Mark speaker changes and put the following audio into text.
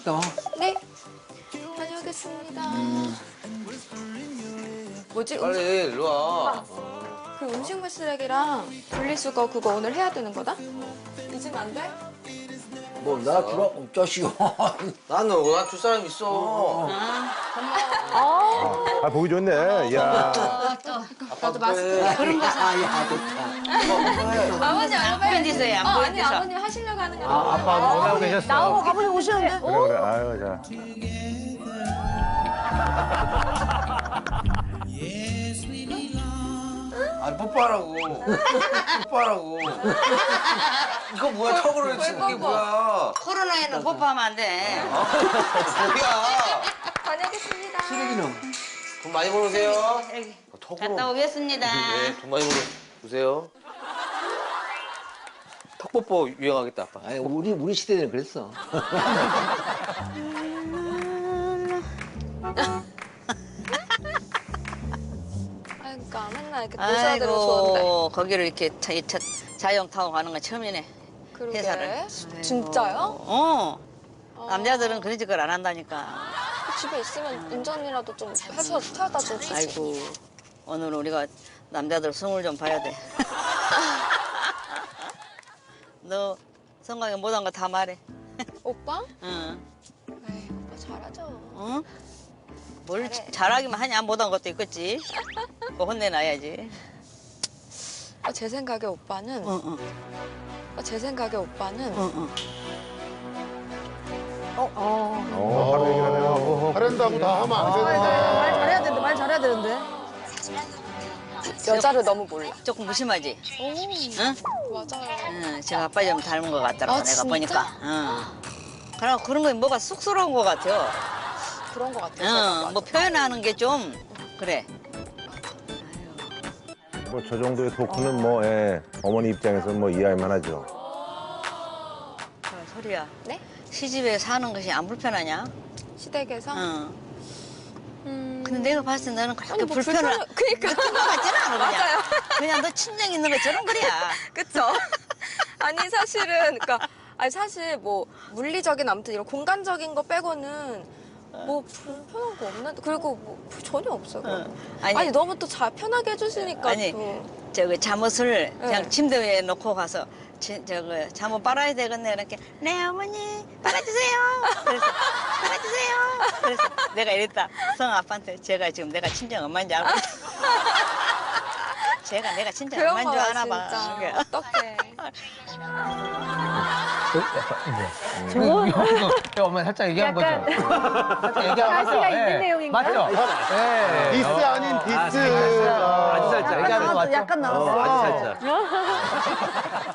Speaker 1: 갔다 와.
Speaker 2: 네. 다녀오겠습니다. 뭐지?
Speaker 3: 빨리 일로 와.
Speaker 2: 그 음식물 쓰레기랑 분리수거 그거 오늘 해야 되는 거다? 잊으면 안 돼?
Speaker 1: 뭐 나 들어 자식아.
Speaker 3: 나는 워낙 줄 사람 있어.
Speaker 4: 아, 보기 좋네. 야.
Speaker 2: 나도 맛있게.
Speaker 1: 그런 거 아야 좋다.
Speaker 2: 아버님
Speaker 5: 팬디서요, 안
Speaker 2: 아니
Speaker 5: 보여줘서.
Speaker 2: 아버님 하시려고 하는 거.
Speaker 4: 아빠 오라고 계셨어.
Speaker 6: 나오고 가보니 오시는데?
Speaker 4: 그래, 그래. 아유, 자.
Speaker 3: 아니 뽀뽀하라고. 뽀뽀하라고. 이거 뭐야 턱으로 치는 게 뭐야?
Speaker 5: 코로나에는 뽀뽀하면 안 돼.
Speaker 3: 뭐야?
Speaker 2: 다녀오겠습니다.
Speaker 1: 쓰레기는
Speaker 3: 돈 많이 벌으세요.
Speaker 5: 갔다 오겠습니다.
Speaker 3: 네, 돈 많이 벌으세요. 턱뽀뽀 유행하겠다 아빠.
Speaker 1: 아니 우리 시대는 그랬어.
Speaker 2: 그러니까 맨날 이렇게 도시아들은 좋은데.
Speaker 5: 아이고, 거기를 이렇게 자영 타고 가는 건 처음이네.
Speaker 2: 그러게.
Speaker 5: 회사를.
Speaker 2: 진짜요?
Speaker 5: 어. 남자들은 그런 짓을 안 한다니까.
Speaker 2: 집에 있으면 운전이라도 좀 해서 태워다 주지.
Speaker 5: 아이고, 오늘 우리가 남자들 성을 좀 봐야 돼. 너 성광에 못한 거 다 말해.
Speaker 2: 오빠?
Speaker 5: 응.
Speaker 2: 에이, 오빠 잘하죠.
Speaker 5: 응? 뭘 잘하기만 하냐? 못한 것도 있겠지. 그거 혼내놔야지.
Speaker 2: 제 생각에 오빠는
Speaker 5: 응, 응,
Speaker 2: 제 생각에 오빠는
Speaker 5: 응, 응.
Speaker 4: 바로 얘기를 하네요.
Speaker 7: 잘한다고 다 하면 안 되는데.
Speaker 6: 말 잘해야 되는데, 말 잘해야 되는데.
Speaker 2: 여자를 너무 몰라.
Speaker 5: 조금 무심하지?
Speaker 2: 오,
Speaker 5: 응?
Speaker 2: 맞아요.
Speaker 5: 응, 제가 아빠 좀 닮은 것 같더라고,
Speaker 2: 아,
Speaker 5: 내가
Speaker 2: 진짜?
Speaker 5: 보니까. 응. 그럼 그런 거 뭐가 쑥스러운 것 같아요.
Speaker 2: 그런 것 같아요. 제가
Speaker 5: 응, 뭐 표현하는 게 좀 그래.
Speaker 4: 뭐 저 정도의 토크는 뭐, 예, 어머니 입장에서는 뭐 이해할 만하죠.
Speaker 5: 소리야.
Speaker 2: 네?
Speaker 5: 시집에 사는 것이 안 불편하냐?
Speaker 2: 시댁에서.
Speaker 5: 응.
Speaker 2: 음.
Speaker 5: 근데 내가 봤을 때 너는 그렇게
Speaker 2: 아니, 뭐
Speaker 5: 불편을
Speaker 2: 그니까.
Speaker 5: 느낀 것 같지는 않아, 그냥.
Speaker 2: 맞아요.
Speaker 5: 그냥 너 친정 있는 것처럼 그래야.
Speaker 2: 그쵸? 아니 사실은 아니 사실 뭐 물리적인 아무튼 이런 공간적인 거 빼고는 뭐 불편한 거 없는데 그리고 뭐 전혀 없어요. 그런 거. 아니 너무 또 잘 편하게 해주시니까
Speaker 5: 아니,
Speaker 2: 또.
Speaker 5: 저기 잠옷을 그냥
Speaker 2: 네.
Speaker 5: 침대 위에 놓고 가서 저거 잠옷 빨아야 되겠네 이렇게 네 어머니 빨아주세요. 그래서 빨아주세요. 그래서 내가 이랬다 성 아빠한테 제가 지금 내가 친정 엄마인 줄 알고 제가 내가 친정
Speaker 2: 그런
Speaker 5: 엄마인 줄
Speaker 2: 거야
Speaker 5: 아나 봐.
Speaker 2: 진짜. 어떡해.
Speaker 8: 저 엄마 살짝 얘기한 거죠? 살짝 얘기한
Speaker 6: 가시가
Speaker 8: 거죠?
Speaker 6: 있는
Speaker 8: 예.
Speaker 6: 내용인가요?
Speaker 8: 맞죠? 예.
Speaker 7: 디스 아닌 디스.
Speaker 8: 아주 살짝 얘기하는 거 맞죠?
Speaker 6: 약간 나왔어.
Speaker 8: 아주 살짝.